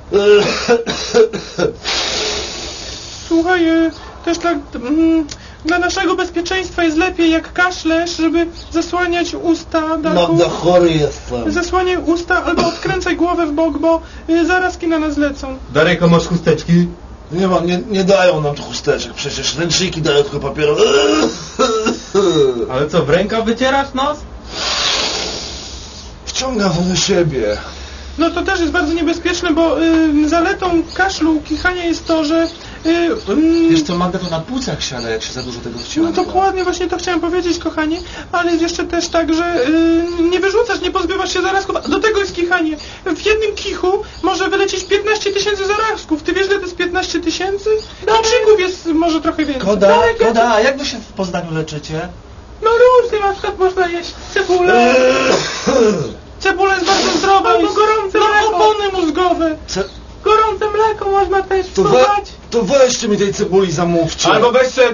Słuchaj, też tak... Dla naszego bezpieczeństwa jest lepiej jak kaszlesz, żeby zasłaniać usta, Darku. Magda, chory jestem. Zasłaniaj usta albo odkręcaj głowę w bok, bo zarazki na nas lecą. Darek, a masz chusteczki? Nie dają nam tu chusteczek, przecież ręczniki dają tylko papierowe. Ale co, w rękaw wycierasz nos? Wciągam to do siebie. No to też jest bardzo niebezpieczne, bo zaletą kaszlu, kichania jest to, że... Wiesz co, Magda, to na płucach siada, jak się za dużo tego wciąga. No dokładnie, właśnie to chciałem powiedzieć, kochanie, ale jest jeszcze też tak, że nie wyrzucasz, nie pozbywasz się zarazków, do tego jest kichanie. W jednym kichu może wylecieć 15 000 zarazków. Ty wiesz, że to jest 15 000? Kiczyków jest może trochę więcej. Koda, a jak wy się w Poznaniu leczycie? No różnie, na przykład można jeść cebulę. Cebula jest bardzo zdrowa. Albo gorące mleko. Opony mózgowe. Gorące mleko można też wsuwać. To weźcie mi tej cebuli, zamówcie. Albo weź sobie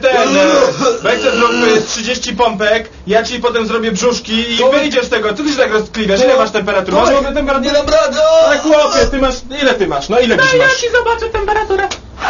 zrób 30 pompek, ja ci potem zrobię brzuszki i wyjdziesz z tego. Co ty się tak rozkliwiasz? Ile masz temperatury? Masz w ogóle temperaturę? Nie dam rady! Ale chłopie, ile ty masz? No ile dziś Ja masz? ci zobaczę temperaturę.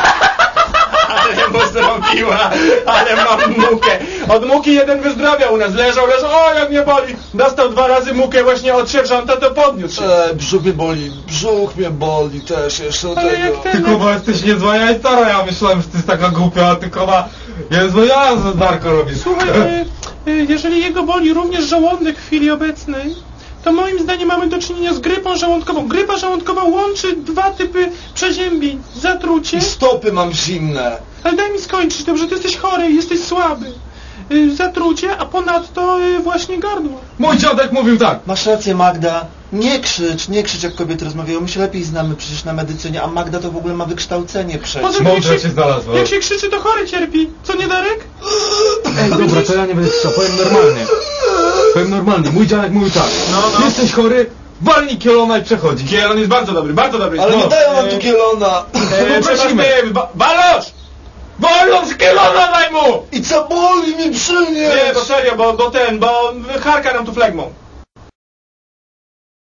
Ale mu zrobiła, ale mam mukę. Od muki jeden wyzdrowiał u nas, leżał, o jak mnie boli. Dostał 2 razy mukę właśnie od sierżanta, to podniósł się. Brzuch mnie boli też jeszcze do Ale tego. jak ten... Ty Kuba, jesteś niezła jajcara, ja myślałem, że ty jest taka głupia, a ty Kuba, niezła ja za Darko robisz. Słuchaj, jeżeli jego boli również żołądek w chwili obecnej, to moim zdaniem mamy do czynienia z grypą żołądkową. Grypa żołądkowa łączy 2 typy przeziębień. Zatrucie. I stopy mam zimne. Ale daj mi skończyć, dobrze? Ty jesteś chory, jesteś słaby. Zatrucie, a ponadto właśnie gardło. Mój dziadek mówił tak. Masz rację, Magda. Nie krzycz jak kobiety rozmawiają. My się lepiej znamy przecież na medycynie, a Magda to w ogóle ma wykształcenie przecież. Poza tym, Mądra się znalazła. jak się krzyczy, to chory cierpi. Co nie, Darek? Ej, dobra, to ja nie będę krzyczał, powiem normalnie. Mój dziadek mówił tak. Ty jesteś chory, walnij kielona i przechodzi. Kielon jest bardzo dobry, bardzo dobry. Ale nie dają nam tu kielona. Prosimy. Balosz! Wolność kielona daj mu! I co boli mi przy niej? Nie, bo serio, bo harka nam tu flegmą.